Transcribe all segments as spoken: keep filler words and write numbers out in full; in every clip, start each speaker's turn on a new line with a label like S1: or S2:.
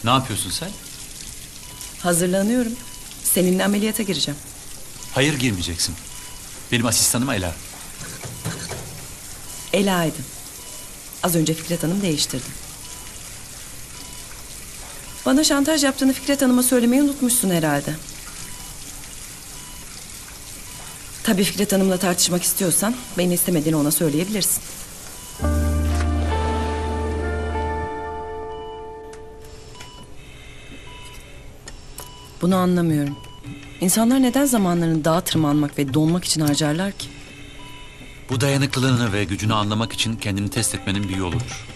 S1: Ne yapıyorsun sen?
S2: Hazırlanıyorum. Seninle ameliyata gireceğim.
S1: Hayır, girmeyeceksin. Benim asistanım Ela.
S2: Ela Aydın. Az önce Fikret Hanım değiştirdi. Bana şantaj yaptığını Fikret Hanım'a söylemeyi unutmuşsun herhalde. Tabii Fikret Hanım'la tartışmak istiyorsan beni istemediğini ona söyleyebilirsin. Bunu anlamıyorum. İnsanlar neden zamanlarını dağa tırmanmak ve donmak için harcarlar ki?
S1: Bu dayanıklılığını ve gücünü anlamak için kendini test etmenin bir yoludur.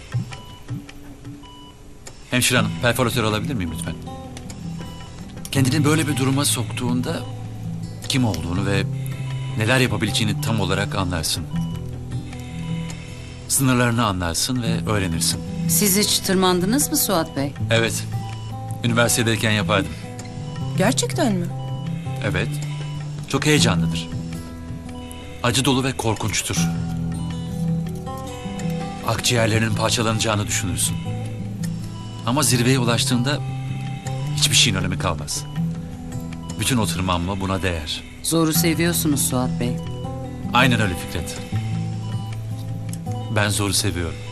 S1: Hemşire hanım, perforatör alabilir miyim lütfen? Kendini böyle bir duruma soktuğunda kim olduğunu ve neler yapabileceğini tam olarak anlarsın. Sınırlarını anlarsın ve öğrenirsin.
S3: Siz hiç tırmandınız mı Suat Bey?
S1: Evet, üniversitedeyken yapardım.
S2: Gerçekten mi?
S1: Evet, çok heyecanlıdır. Acı dolu ve korkunçtur. Akciğerlerinin parçalanacağını düşünürsün. Ama zirveye ulaştığında hiçbir şeyin önemi kalmaz. Bütün o tırmanma buna değer.
S3: Zoru seviyorsunuz Suat Bey.
S1: Aynen öyle Fikret. Ben zoru seviyorum.